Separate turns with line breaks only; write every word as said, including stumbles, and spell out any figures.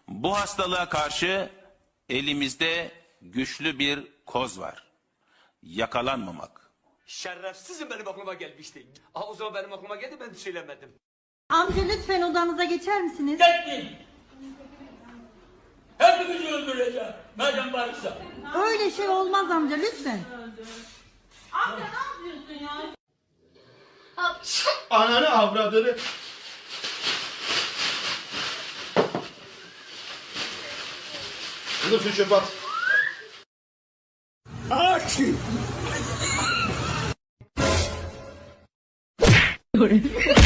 Bu hastalığa karşı elimizde güçlü bir koz var. Yakalanmamak.
Şerefsizim benim aklıma gelmişti. Aa, o zaman benim aklıma geldi, ben söylemedim.
Amca lütfen odanıza geçer misiniz?
Gittin. Hepimizi öldüreceğim. Madem varsa.
Öyle şey olmaz amca lütfen.
Ananı avradını. Kızım şu çöpe at.
Aç.